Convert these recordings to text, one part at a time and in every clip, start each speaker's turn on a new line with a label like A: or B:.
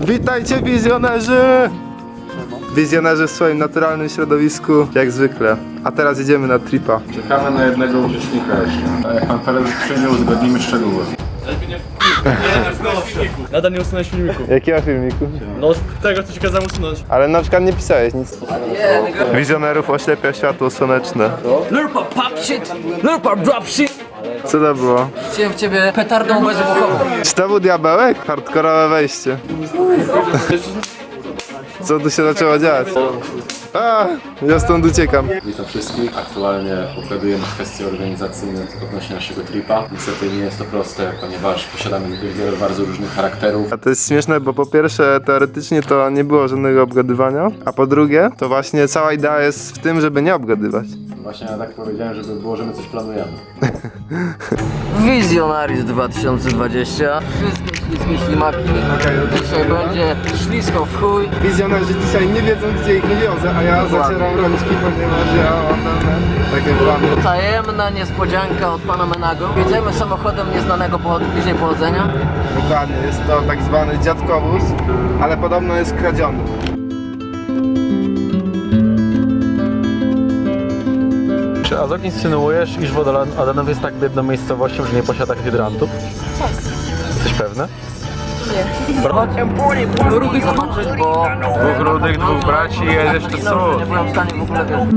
A: Witajcie wizjonerzy! Wizjonerzy w swoim naturalnym środowisku, jak zwykle. A teraz jedziemy na tripa.
B: Czekamy na jednego uczestnika jeszcze. A jak pan prezes przyjdzie, uzgodnimy szczegóły.
C: Nadal nie usunąłeś filmiku.
A: Jakiego filmiku?
C: No z tego, co ci kazałem usunąć.
A: Ale na przykład nie pisałeś nic. Wizjonerów oślepia światło słoneczne.
D: Lurpa pop shit! Lurpa drop shit!
A: Co to było?
D: Chciałem w ciebie petardą bezwybuchową.
A: Czy to był diabełek? Hardkorowe wejście. Co tu się zaczęło dziać? A, ja stąd uciekam.
B: Witam wszystkich. Aktualnie obgadujemy kwestie organizacyjne odnośnie naszego tripa. Niestety nie jest to proste, ponieważ posiadamy wiele bardzo różnych charakterów.
A: A to jest śmieszne, bo po pierwsze teoretycznie to nie było żadnego obgadywania, a po drugie to właśnie cała idea jest w tym, żeby nie obgadywać.
B: Właśnie ja tak powiedziałem, żeby było, że my coś planujemy.
D: Wizjonaris 2020. Wszystkie śliskie ślimaki. Dzisiaj będzie ślisko w chuj.
A: Wizjonerzy dzisiaj nie wiedzą, gdzie ich nie wiozę, a ja zacieram rączki, ponieważ ja mam takie plany.
D: Tajemna niespodzianka od pana Menago. Jedziemy samochodem nieznanego bliźniej pochodzenia.
A: Dokładnie, jest to tak zwany dziadkowóz, ale podobno jest kradziony.
C: Czy Azok insynuujesz, iż Wodolanów jest tak biedną miejscowością, że nie posiada hydrantów? Jesteś pewny?
D: Rudy zobaczyć, bo
C: Dwóch rudych, dwóch braci i jest jeszcze
D: nie byłem w stanie w ogóle wiedzieć.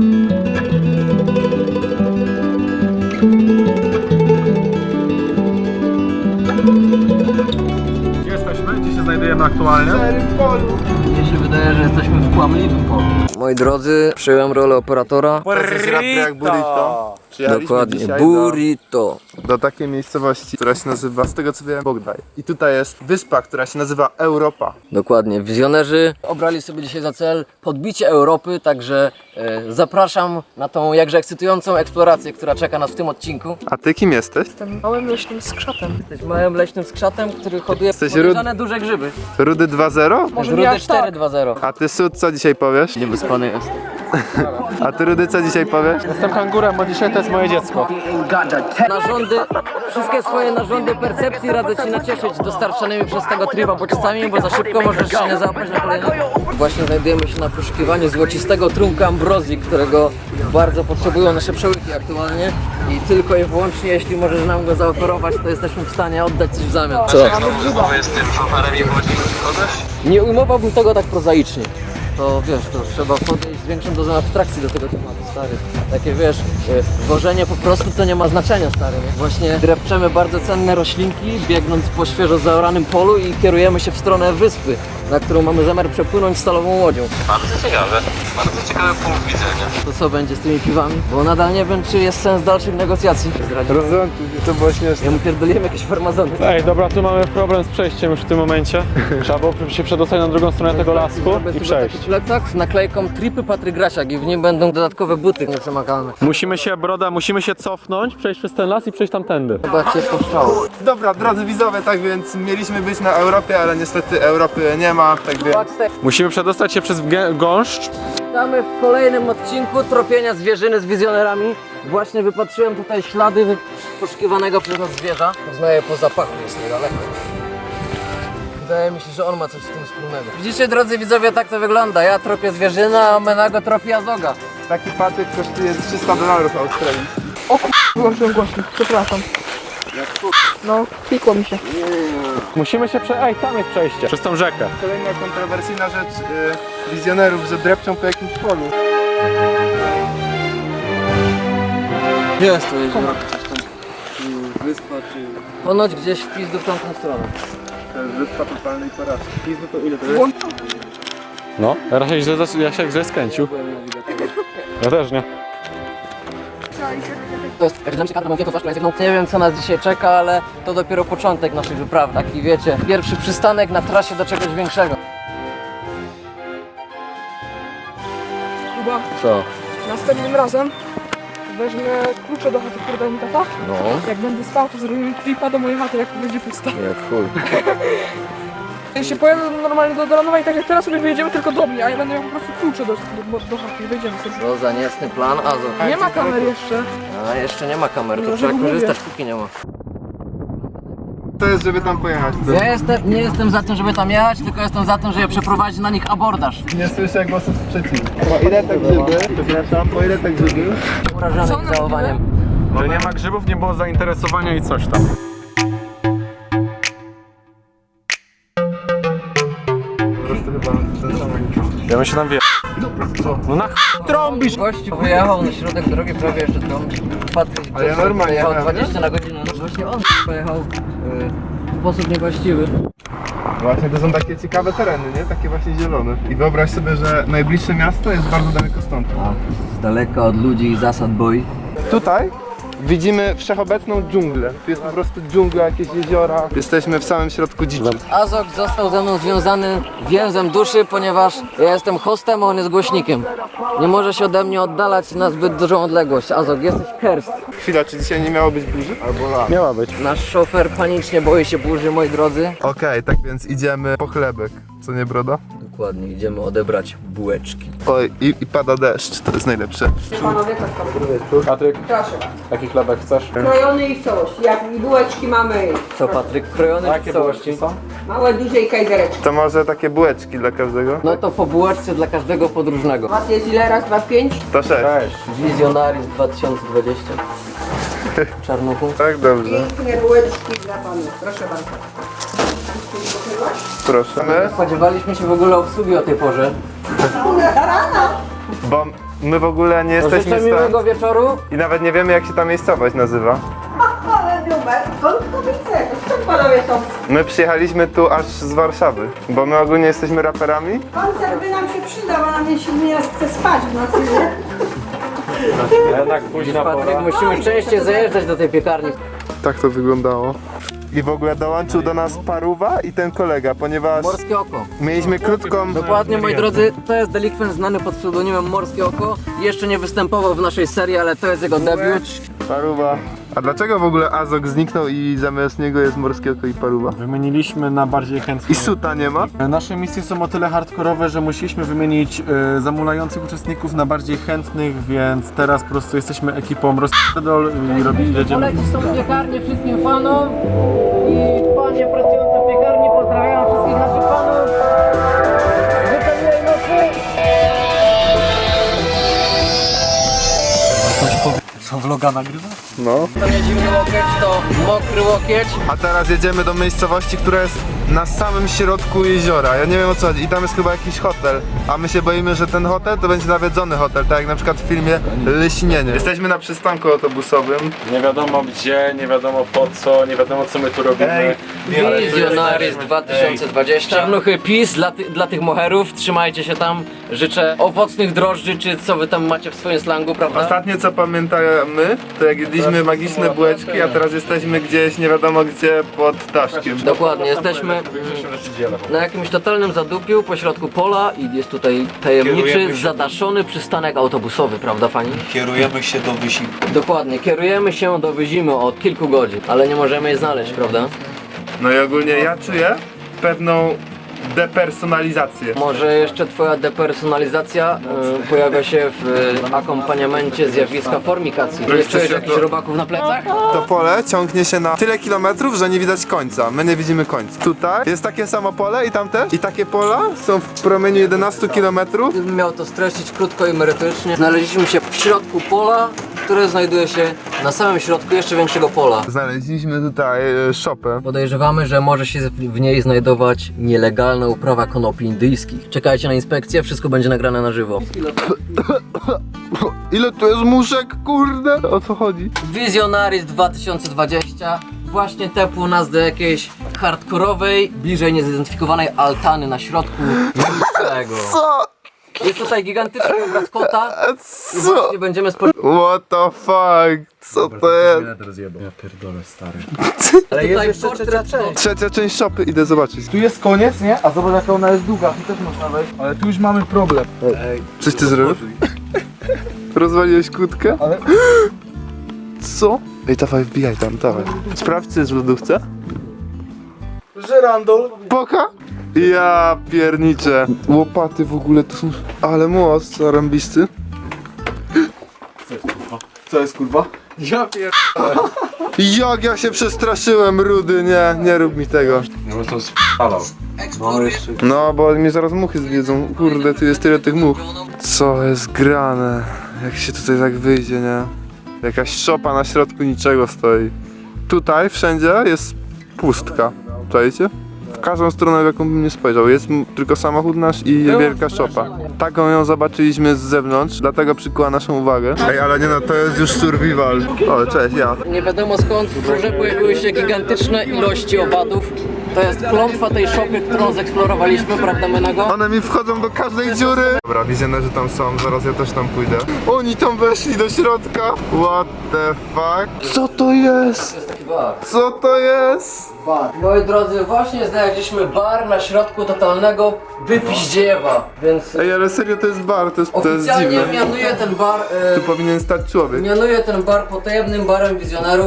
C: Gdzie jesteśmy? Gdzie się znajdujemy aktualnie?
D: Mnie się wydaje, że jesteśmy w kłamliwym polu. Moi drodzy, przyjąłem rolę operatora.
A: To jest rap jak burrito. Przyjechaliśmy
D: Dokładnie,
A: dzisiaj
D: burrito.
A: do takiej miejscowości, która się nazywa, z tego co wiem, Bogdaj. I tutaj jest wyspa, która się nazywa Europa.
D: Dokładnie, wizjonerzy obrali sobie dzisiaj za cel podbicie Europy, także zapraszam na tą jakże ekscytującą eksplorację, która czeka nas w tym odcinku.
A: A ty kim jesteś?
E: Jestem małym leśnym skrzatem.
D: Jesteś małym leśnym skrzatem, który hoduje
A: Jesteś
D: podejrzane duże grzyby.
A: Rudy 2.0?
E: Może
D: Rudy
E: nie aż tak.
D: 4.2.0.
A: A ty Sud, co dzisiaj powiesz?
D: Niewyspany jest.
A: A ty Rudy, co dzisiaj powiesz?
C: Jestem kangurem, bo dzisiaj to jest moje dziecko.
D: Narządy, wszystkie swoje narządy percepcji radzę ci nacieszyć dostarczanymi przez tego tryba bodźcami, bo za szybko możesz się nie załapać na kolejny. Właśnie znajdujemy się na poszukiwaniu złocistego trunka ambrozji, którego bardzo potrzebują nasze przełyki aktualnie i tylko i wyłącznie jeśli możesz nam go zaoferować, to jesteśmy w stanie oddać coś w zamian. Co? Nie ujmowałbym tego tak prozaicznie. To wiesz, to trzeba podejść z większą dozą abstrakcji do tego tematu, stary. Takie wiesz, wożenie po prostu to nie ma znaczenia, stary. Nie? Właśnie drepczemy bardzo cenne roślinki, biegnąc po świeżo zaoranym polu i kierujemy się w stronę wyspy, na którą mamy zamiar przepłynąć stalową łodzią. Bardzo ciekawy punkt widzenia. To co będzie z tymi piwami? Bo nadal nie wiem, czy jest sens dalszych negocjacji.
A: Rozumiem, to było śmieszne.
D: Ja mu pierdoliłem jakieś farmazony.
C: Ej, dobra, tu mamy problem z przejściem już w tym momencie. Trzeba było się przedostać na drugą stronę tego lasku i przejść.
D: Taki plecak z naklejką Tripy Patryk Grasiak i w nim będą dodatkowe buty nieprzemakalne.
C: Musimy się cofnąć, przejść przez ten las i przejść tamtędy.
D: Chyba cię poszczało.
A: Dobra, drodzy widzowie, tak więc mieliśmy być na Europie, ale niestety Europy nie ma, tak więc...
C: Musimy przedostać się przez gąszcz.
D: Witamy w kolejnym odcinku tropienia zwierzyny z wizjonerami. Właśnie wypatrzyłem tutaj ślady poszukiwanego przez nas zwierza. Poznaję po zapachu, jest niedaleko. Wydaje mi się, że on ma coś z tym wspólnego. Widzicie, drodzy widzowie, tak to wygląda. Ja tropię zwierzyna, a Menago tropi Azoga.
A: Taki patyk kosztuje $300 Australii.
E: Wyłączyłem głośnik, przepraszam. No, klikło mi się.
C: Musimy się Ej, tam jest przejście. Przez tą rzekę.
A: Kolejna kontrowersyjna rzecz wizjonerów, że drepczą po jakimś polu.
D: Jest to jezioro. Wyspa czy... Ponoć gdzieś w pizdu w tamtą stronę.
A: To jest wyspa totalnej porażki. Pizdu to ile to jest?
C: No, ja się źle skręcił. Ja też nie.
D: To jest, nie wiem co nas dzisiaj czeka, ale to dopiero początek naszej wyprawy. Taki wiecie, pierwszy przystanek na trasie do czegoś większego.
E: Chyba
D: Co?
E: następnym razem wezmę klucze do chaty, które dał mi tata.
D: No,
E: Jak będę spał, to zrobimy tripa do mojej chaty, jak będzie pusta.
D: jak chuj.
E: Jeśli pojadę normalnie do Dolanowa i tak jak teraz sobie wyjedziemy tylko do mnie, a ja będę miał po prostu klucze do chaty i wyjdziemy sobie.
D: Co za niecny plan, Azov.
E: Nie ma kamer jeszcze.
D: A jeszcze nie ma kamer, to
E: No,
D: trzeba
E: mówię.
D: korzystać póki nie ma.
A: to jest, żeby tam pojechać?
D: Ja nie jestem za tym, żeby tam jechać, tylko jestem za tym, żeby przeprowadzić na nich abordaż.
A: Nie słyszę głosów sprzeciwu. Po ile te grzyby? Przepraszam, po ile te grzyby?
D: Urażony ich zachowaniem.
C: Że nie ma grzybów, nie było zainteresowania i coś tam.
A: Po prostu chyba ten sam.
C: Ja bym się tam wie. No na trąbisz!
D: Gościu wyjechał na środek drogi, prawie jeszcze trąbił. Patryk
A: Ale ja normalnie
D: jechał
A: jechałem,
D: 20 na godzinę. No właśnie on pojechał w sposób niewłaściwy.
A: Właśnie to są takie ciekawe tereny, nie? Takie właśnie zielone. I wyobraź sobie, że najbliższe miasto jest bardzo daleko stąd.
D: A z daleka od ludzi i zasad boi.
A: Tutaj widzimy wszechobecną dżunglę. Tu jest po prostu dżungla, jakieś jeziora. Jesteśmy w samym środku dziczy.
D: Azok został ze mną związany więzem duszy, ponieważ ja jestem hostem, a on jest głośnikiem. Nie może się ode mnie oddalać na zbyt dużą odległość. Azok, jesteś cursed.
A: Chwila, czy dzisiaj nie miało być burzy? Albo lat.
C: Miała być.
D: Nasz szofer panicznie boi się burzy, moi drodzy.
A: Okej, tak więc idziemy po chlebek. Co nie, broda?
D: Dokładnie, idziemy odebrać bułeczki.
A: Oj, i pada deszcz, to jest najlepsze.
F: Panowie, tak tam.
C: Patryk,
F: Proszę.
C: jaki chlebek chcesz?
F: Krojony i w całości. Jak i bułeczki mamy
D: Co Patryk, krojony
C: Jakie
D: w całości?
C: bułeczki są?
F: małe, duże i kajzereczki.
A: To może takie bułeczki dla każdego?
D: No to po bułeczce dla każdego podróżnego.
F: Was jest ile? Raz, dwa, pięć?
A: To 6.
C: Cześć.
D: Wizjonaris 2020. Czarnuchu.
A: Tak, dobrze.
F: Piękne bułeczki dla panów. Proszę bardzo.
A: Proszę. My?
D: Spodziewaliśmy się w ogóle obsługi o tej porze.
A: Bo my w ogóle nie
D: To
A: jesteśmy
D: życzę
A: stąd
D: miłego wieczoru.
A: i nawet nie wiemy, jak się ta miejscowość nazywa.
F: Ale numer. Skąd to widzę? Skąd panowie są?
A: My przyjechaliśmy tu aż z Warszawy, bo my ogólnie jesteśmy raperami.
F: Koncert by nam się przydał, a nam nie chce spać w nocy, nie?
C: Jednak późna
D: Patryk,
C: pora.
D: musimy częściej zajeżdżać do tej piekarni.
A: Tak to wyglądało. I w ogóle dołączył do nas Paruwa i ten kolega, ponieważ
D: Morskie Oko.
A: mieliśmy krótką...
D: Dokładnie, moi drodzy, to jest delikwent znany pod pseudonimem Morskie Oko. Jeszcze nie występował w naszej serii, ale to jest jego debiut.
A: Paruwa. A dlaczego w ogóle Azok zniknął i zamiast niego jest Morskie Oko i Paruwa?
C: Wymieniliśmy na bardziej chętnych.
A: I Suta nie ma?
C: Nasze misje są o tyle hardkorowe, że musieliśmy wymienić zamulających uczestników na bardziej chętnych, więc teraz po prostu jesteśmy ekipą rozpierdol i jedziemy.
D: Polecić tą piekarnię wszystkim fanom i panie pracujące w piekarni pozdrawiam wszystkich naszych fanów. Życzę miłej nocy.
C: Co, vloga nagrywa?
A: No.
D: To nie zimny łokieć, to mokry łokieć.
A: A teraz jedziemy do miejscowości, która jest na samym środku jeziora. Ja nie wiem o co chodzi. I tam jest chyba jakiś hotel. A my się boimy, że ten hotel to będzie nawiedzony hotel, tak jak na przykład w filmie Leśnienie. Jesteśmy na przystanku autobusowym.
C: Nie wiadomo gdzie, nie wiadomo po co, nie wiadomo co my tu robimy.
D: Wizjonaris 2020. Czarnuchy PiS dla tych moherów. Trzymajcie się tam. Życzę owocnych drożdży, czy co wy tam macie w swoim slangu, prawda?
A: Ostatnie co pamiętamy, to jak jedliśmy magiczne bułeczki, a teraz jesteśmy gdzieś nie wiadomo gdzie pod daszkiem.
D: Dokładnie, jesteśmy na jakimś totalnym zadupiu pośrodku pola i jest tutaj tajemniczy, zadaszony przystanek autobusowy, prawda pani?
G: Kierujemy się do wysiłku.
D: Dokładnie, kierujemy się do Wyzimy od kilku godzin, ale nie możemy jej znaleźć, prawda?
A: No i ogólnie ja czuję pewną depersonalizację.
D: Może jeszcze twoja depersonalizacja pojawia się w akompaniamencie zjawiska formikacji. Nie czujesz jakichś robaków na plecach?
A: To pole ciągnie się na tyle kilometrów, że nie widać końca. My nie widzimy końca. Tutaj jest takie samo pole i tam też. I takie pola są w promieniu 11 kilometrów.
D: Gdybym miał to streścić krótko i merytorycznie, znaleźliśmy się w środku pola, które znajduje się na samym środku jeszcze większego pola.
A: Znaleźliśmy tutaj szopę.
D: Podejrzewamy, że może się w niej znajdować nielegalna uprawa konopi indyjskich. Czekajcie na inspekcję, wszystko będzie nagrane na żywo.
A: Ile tu jest muszek, kurde? O co chodzi?
D: Wizjonaris 2020 właśnie tepło nas do jakiejś hardkorowej, bliżej niezidentyfikowanej altany na środku niczego.
A: Co?
D: Jest tutaj gigantyczny obraz kota i
A: Co?
D: właśnie będziemy spodziewać.
A: What the fuck? Co to jest?
C: Ja pierdolę stary.
D: Ale jest jeszcze portret.
A: Trzecia część szopy, idę zobaczyć.
E: Tu jest koniec, nie? A zobacz jaka ona jest długa, tu też można wejść. Ale tu już mamy problem.
A: Coś ty zrobił? Rozwaliłeś kłódkę?
E: Ale-
A: Co? Ej, dawaj, wbijaj tam, dawaj. Sprawdź, co jest w lodówce.
E: Żerandol.
A: Poka? Ja pierniczę. Łopaty w ogóle tu są... Ale most zarąbisty.
E: Co jest kurwa? Ja pierdolę.
A: Jak ja się przestraszyłem, Rudy, nie rób mi tego.
B: No bo to spalał. No jeszcze.
A: No, bo mnie zaraz muchy zjedzą. Kurde, tu jest tyle tych much. Co jest grane? Jak się tutaj tak wyjdzie, nie? Jakaś szopa na środku niczego stoi. Tutaj wszędzie jest pustka. Czajcie? W każdą stronę, w jaką bym nie spojrzał. Jest tylko samochód nasz i wielka szopa. Taką ją zobaczyliśmy z zewnątrz, dlatego przykuła naszą uwagę. Ej, ale nie no, to jest już survival. O, cześć, ja.
D: Nie wiadomo skąd w górze pojawiły się gigantyczne ilości owadów. To jest klątwa tej szopy, którą zeksplorowaliśmy, prawda Menego?
A: One mi wchodzą do każdej dziury. Dobra, wizjonerzy tam są, zaraz ja też tam pójdę. Oni tam weszli do środka. What the fuck? Co to jest?
D: To jest taki bar.
A: Co to jest?
D: Bar. Moi drodzy, właśnie znaleźliśmy bar na środku totalnego wypiździewa, więc
A: Ej, ale serio to jest bar, to jest
D: oficjalnie
A: dziwne.
D: mianuję ten bar,
A: Tu powinien stać człowiek.
D: mianuję ten bar potajemnym barem wizjonerów.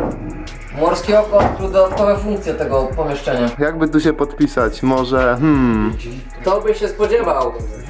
D: Morskie oko odkrył dodatkowe funkcje tego pomieszczenia.
A: Jakby tu się podpisać? Może,
D: Kto by się spodziewał?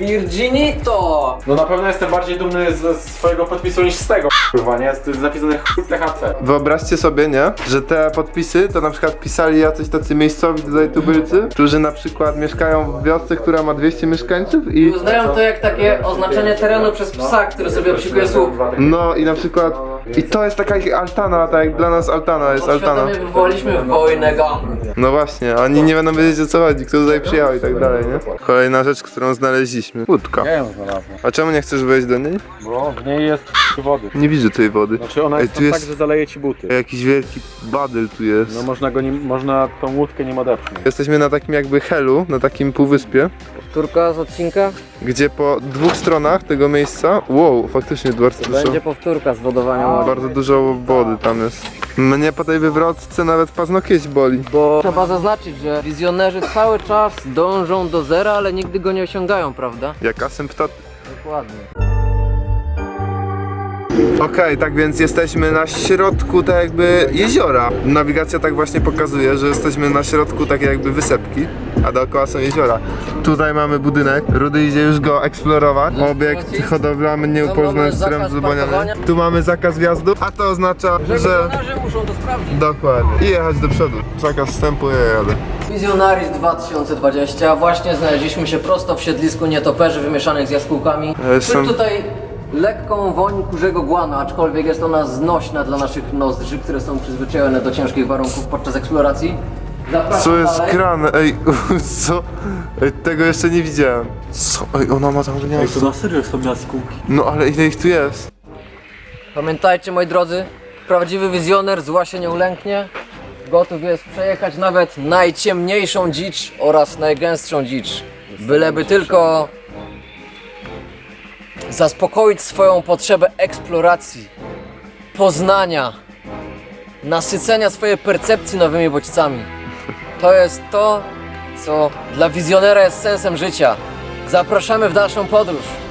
D: Virginito!
C: No na pewno jestem bardziej dumny ze swojego podpisu niż z tego, kurwa, nie? To jest napisane chuj THC.
A: Wyobraźcie sobie, nie? Że te podpisy to na przykład pisali jacyś tacy miejscowi tutaj tubylcy, którzy na przykład mieszkają w wiosce, która ma 200 mieszkańców i...
D: Uznają to jak takie oznaczenie terenu przez psa, który sobie obsikuje słup.
A: No i na przykład... I to jest taka ich altana, tak jak dla nas altana jest altana.
D: Podświadomie wywołaliśmy wojnę gangu.
A: No właśnie, oni nie będą wiedzieć o co chodzi, kto tutaj przyjechał i tak dalej, nie? Kolejna rzecz, którą znaleźliśmy. Łódka.
C: Ja ją znalazłem,
A: A czemu nie chcesz wejść do niej?
C: bo w niej jest wody.
A: Nie widzę tej wody.
C: Znaczy ona
A: Ej,
C: jest
A: tu
C: tam
A: jest-
C: tak, że zaleje ci buty.
A: Jakiś wielki badyl tu jest.
C: No można tą łódkę nim odepchnąć.
A: Jesteśmy na takim jakby helu, na takim półwyspie,
D: Powtórka z odcinka?
A: gdzie po dwóch stronach tego miejsca, wow, faktycznie bardzo dużo,
D: Będzie powtórka z wodowania łodzi.
A: bardzo dużo wody tam jest. Mnie po tej wywrotce nawet paznokieć boli.
D: Bo trzeba zaznaczyć, że wizjonerzy cały czas dążą do zera, ale nigdy go nie osiągają, prawda?
A: Jak asymptoty.
D: Dokładnie.
A: Okej, tak więc jesteśmy na środku tak jakby jeziora. Nawigacja tak właśnie pokazuje, że jesteśmy na środku takiej jakby wysepki, a dookoła są jeziora. Tutaj mamy budynek, Rudy idzie już go eksplorować. Obiekt hodowlany nieupoznany
D: mamy
A: z
D: zakaz
A: zbaniany.
D: parkowania.
A: Tu mamy zakaz wjazdu, a to oznacza, że...
D: Wizjonerzy muszą to sprawdzić.
A: Dokładnie. I jechać do przodu. Zakaz wstępu, ja jadę.
D: Wizjonaris 2020. Właśnie znaleźliśmy się prosto w siedlisku nietoperzy wymieszanych z jaskółkami.
A: jestem-
D: Czuć tutaj lekką woń kurzego głana, aczkolwiek jest ona znośna dla naszych nozdrzy, które są przyzwyczajone do ciężkich warunków podczas eksploracji. Zapraszam
A: Co jest
D: dalej.
A: grane? Ej, co? Ej, tego jeszcze nie widziałem. Co? Ej, ona ma tam gniazdo.
G: na serio są jaskółki.
A: No ale ile ich tu jest?
D: Pamiętajcie, moi drodzy, prawdziwy wizjoner zła się nie ulęknie. Gotów jest przejechać nawet najciemniejszą dzicz oraz najgęstszą dzicz. Byleby tylko zaspokoić swoją potrzebę eksploracji, poznania, nasycenia swojej percepcji nowymi bodźcami. To jest to, co dla wizjonera jest sensem życia. Zapraszamy w dalszą podróż.